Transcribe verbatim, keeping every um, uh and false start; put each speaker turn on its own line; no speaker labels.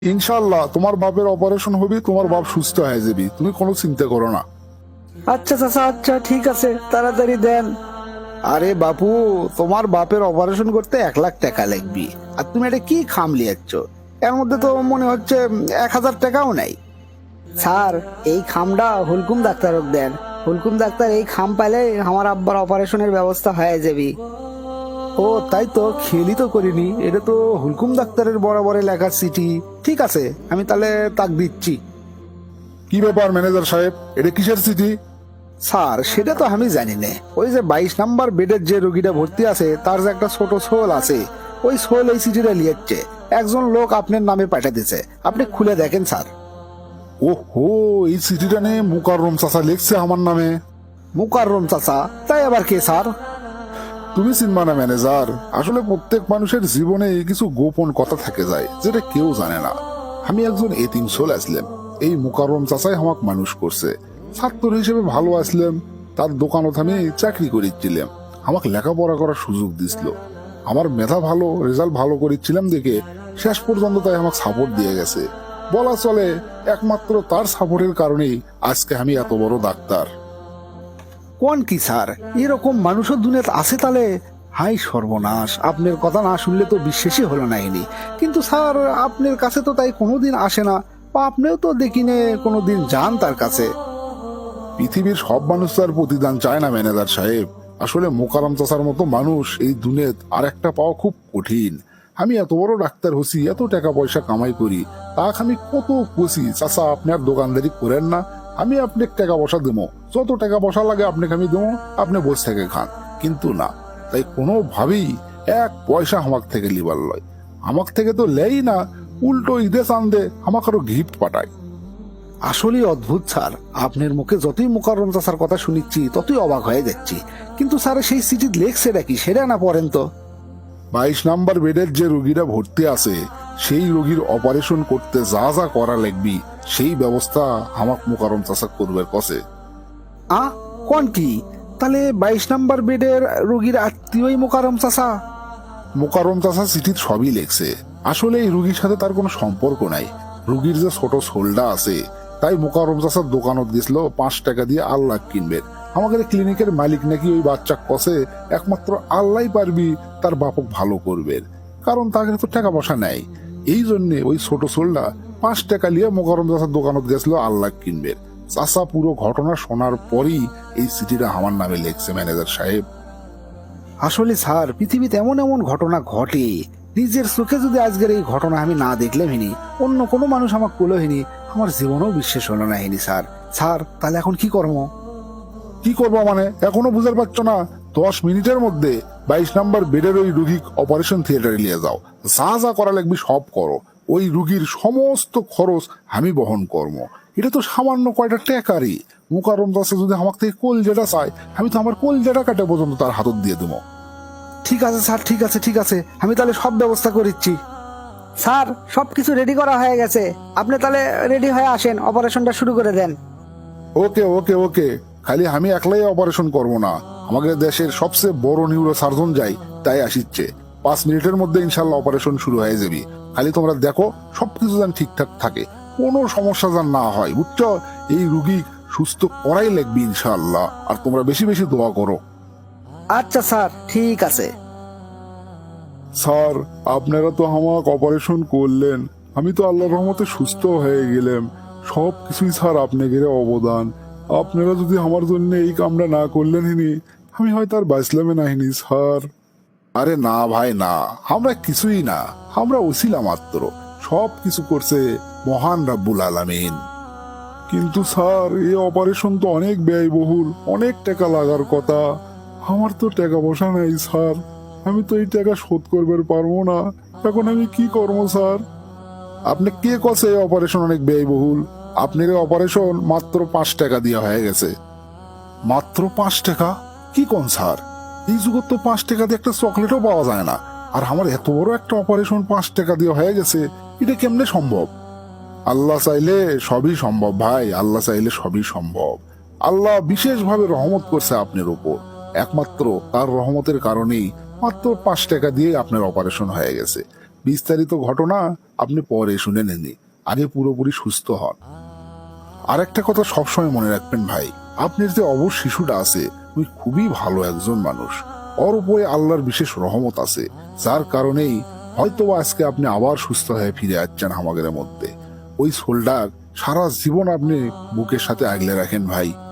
ইনশাল্লাহ তোমার বাপের অপারেশন হবে, তোমার বাপ সুস্থ হয়ে যাবি, তুমি কোনো চিন্তা করো না।
আচ্ছা চাচা, আচ্ছা ঠিক আছে, তাড়াতাড়ি দেন।
আরে বাপু, তোমার বাপের অপারেশন করতে এক লাখ টাকা লাগবে, আর তুমি এটা কি খাম লিয়াচ্ছ? এর মধ্যে তো মনে হচ্ছে এক হাজার টাকাও নাই।
স্যার, এই খামটা হুলকুম ডাক্তারক দেন। হুলকুম ডাক্তার এই খাম পাইলে আমার আব্বার অপারেশনের ব্যবস্থা হয়ে যাবে।
ও তাই তো, খেয়ালই তো করিনি, এটা তো হুলকুম ডাক্তারের বরাবরে লেখা চিঠি। ঠিক আছে, আমি তাহলে তাক দিচ্ছি।
কি ব্যাপার ম্যানেজার সাহেব, এটা কিসের চিঠি?
স্যার, সেটা তো আমি জানি না। ওই যে বাইশ নাম্বার বেডের যে রোগীটা ভর্তি আছে, তার যে একটা ছোট সোল আছে, ওই সোল এই চিঠিটা লিয়াচ্ছে। একজন লোক আপনার নামে পাঠা দিছে, আপনি খুলে দেখেন স্যার।
ও হো, এই চিঠিটা নিয়ে মুকাররম চাচা লিখছে আমার নামে।
মুকাররম চাচা? তাই আবার কে স্যার?
তুমি চিনবা না ম্যানেজার, আসলে প্রত্যেক মানুষের জীবনে কিছু গোপন কথা থেকে যায় যেটা কেউ জানে না। আমি একজন এতিম সোল আসলাম, এই মুকাররম চাচাই আমাকে মানুষ করছে। ছাত্র হিসেবে ভালো আসলাম, তার দোকানত আমি চাকরি করেছিলাম, আমাকে লেখাপড়া করার সুযোগ দিছিল। আমার মেধা ভালো, রেজাল্ট ভালো করেছিলাম দেখে শেষ পর্যন্ত তাই আমাকে সাপোর্ট দিয়ে গেছে। বলা চলে একমাত্র তার সাপোর্টের কারণেই আজকে আমি এত বড় ডাক্তার।
কোন কি স্যার, এরকম মানুষও দুনিয়াতে আছে তাহলে? হাই সর্বনাশ, আপনার কথা না শুনলে তো বিশ্বাসই হলো না এনি। কিন্তু স্যার, আপনার কাছে তো তাই কোনোদিন আসে না, বা আপনিও তো দেখিনে কোনোদিন যান তার কাছে।
পৃথিবীর সব মানুষ তার প্রতিদান চায় না ম্যানেজার সাহেব। আসলে মোকারম চাচার মতো মানুষ এই দুনিয়াত আর একটা পাওয়া খুব কঠিন। আমি এত বড় ডাক্তার হচ্ছি, এত টাকা পয়সা কামাই করি, তাক আমি কত খুশি। চাচা, আপনি আর দোকানদারি করেন না, আমি আপনাকে টাকা পয়সা দেবো, যত টাকা পয়সা লাগে আপনাকে আমি দেবো, আপনি বসে থেকে খান। কিন্তু না, তাই কোনোভাবেই এক পয়সা আমার থেকে লিবার লয়। আমার থেকে তো লেই না, উল্টো ঈদে চান্দে আমাকে আরো গিফট পাঠায়।
আসলেই অদ্ভুত স্যার, আপনার মুখে যতই মুকাররম চাচার কথা শুনিচ্ছি ততই অবাক হয়ে যাচ্ছি। কিন্তু স্যার, সেই চিঠি লেখছে নাকি সেটা না পড়েন তো।
বাইশ নাম্বার বেডের যে রোগীরা ভর্তি আছে, সেই রোগীর অপারেশন করতে যা যা করা লাগবি সেই ব্যবস্থা আমাক মুকাররম চাচা করবে কসে।
আ কোন কি? তাহলে বাইশ নাম্বার বেডের রোগীর আত্মীয়ই মুকাররম চাচা?
মুকাররম চাচা চিঠির সবই লেখছে। আসলে এই রুগীর সাথে তার কোনো সম্পর্ক নাই। রুগীর যে ছোট সোলডা আছে, তাই মুকাররম চাচার দোকানত গেছিল পাঁচ টাকা দিয়ে আল্লাহ কিনবে। আমাদের ক্লিনিকের মালিক নাকি ওই বাচ্চা কষে একমাত্র আল্লাহ পারবি তার বাপক ভালো করবে, কারণ তাকে তো টাকা পয়সা নেই। এই জন্য ওই ছোট সোলডা পাঁচ টাকা নিয়ে মুকাররম চাচার দোকানত গেছিল আল্লাহ কিনবে। চাচা পুরো ঘটনা শোনার পরই এই চিঠিটা আমার নামে লেখছে ম্যানেজার সাহেব।
আসলে স্যার, পৃথিবীতে এমন এমন ঘটনা ঘটে, নিজের চোখে যদি আজকের এই ঘটনা আমি না দেখলে হিনি, অন্য কোনো মানুষ আমাকে কুলো হিনি, আমার জীবনেও বিশ্বাস হলো না হিনি স্যার। স্যার, তাহলে এখন কি করবো?
কি করবো মানে এখনো বুঝতে পারছো না? দশ মিনিটের মধ্যে বাইশ নাম্বার বেডের ওই রুগী অপারেশন থিয়েটারে নিয়ে যাও, যা যা করা লাগবে সব করো। ওই রুগীর সমস্ত খরচ আমি বহন করবো। এটা তো সামান্য কয়টা টাকারই। মুকাররম চাচা যদি আমার থেকে কোল যেটা চায়, আমি তো আমার কোল যেটা কাটে পর্যন্ত তার হাতত দিয়ে দেবো।
ঠিক আছে স্যার, ঠিক আছে ঠিক আছে, আমি তাহলে সব ব্যবস্থা করিচ্ছি।
স্যার, সবকিছু রেডি করা হয়ে গেছে, আপনি তাহলে রেডি হয়ে আসেন, অপারেশনটা শুরু করে দেন।
ওকে ওকে ওকে, খালি আমি একলাই অপারেশন করবো না, আমাদের দেশের সবচেয়ে বড় নিউরো সার্জন যাই, তাই আসিচ্ছে। পাঁচ মিনিটের মধ্যে ইনশাল্লাহ অপারেশন শুরু হয়ে যাবে। খালি তোমরা দেখো সবকিছু যেন ঠিকঠাক থাকে, কোনো সমস্যা যেন না হয়, বুঝছো? এই রুগী সুস্থ করাই লাগবে ইনশাল্লাহ, আর তোমরা বেশি বেশি দোয়া করো।
আচ্ছা স্যার, ঠিক আছে।
স্যার, আপনারা তো আমাকে অপারেশন করলেন, আমি তো আল্লাহর রহমতে সুস্থ হয়ে গেলাম। সব কিছুই স্যার আপনাদের অবদান। আপনারা যদি আমার জন্য এই কামটা না করলেন হিনি, আমি হয়তো আর বাঁচলামে নাহিনি স্যার। আরে না ভাই না, আমরা কিছুই না, আমরা ওসিলা মাত্র। সব কিছু করছে মহান রাব্বুল আলামিন। কিন্তু স্যার, এই অপারেশন তো অনেক ব্যয়বহুল, অনেক টাকা লাগার কথা। আমার তো টাকা পয়সা নাই স্যার, আমি তো এই টাকা শোধ করবার পারবো না। এখন আমি কি করবো স্যার? আপনি কে কছে এই অপারেশন অনেক ব্যয়বহুল? আপনার এই অপারেশন মাত্র পাঁচ টাকা দিয়ে হয়ে গেছে। মাত্র পাঁচ টাকা? কি কোন স্যার, এই যুগত তো পাঁচ টাকা দিয়ে একটা চকলেটও পাওয়া যায় না, আর আমার এত বড় একটা অপারেশন পাঁচ টাকা দিয়ে হয়ে গেছে, এটা কেমনে সম্ভব? আল্লাহ চাইলে সবই সম্ভব ভাই, আল্লাহ চাইলে সবই সম্ভব। আল্লাহ বিশেষভাবে রহমত করছে আপনার উপর, একমাত্র তার রহমতের কারণেই মাত্র পাঁচ টাকা দিয়ে আপনার অপারেশন হয়ে গেছে। বিস্তারিত ঘটনা আপনি পরে শুনে নেননি, আগে পুরোপুরি সুস্থ হন। আর একটা কথা সবসময় মনে রাখবেন ভাই, আপনার যে অবশ শিশুটা আছে ওই খুবই ভালো একজন মানুষ, ওর উপরে আল্লাহর বিশেষ রহমত আছে, যার কারণেই হয়তো আজকে আপনি আবার সুস্থ হয়ে ফিরে আসছেন আমাদের মধ্যে। ওই সোলডার সারা জীবন আপনি বুকের সাথে আগলে রাখেন ভাই।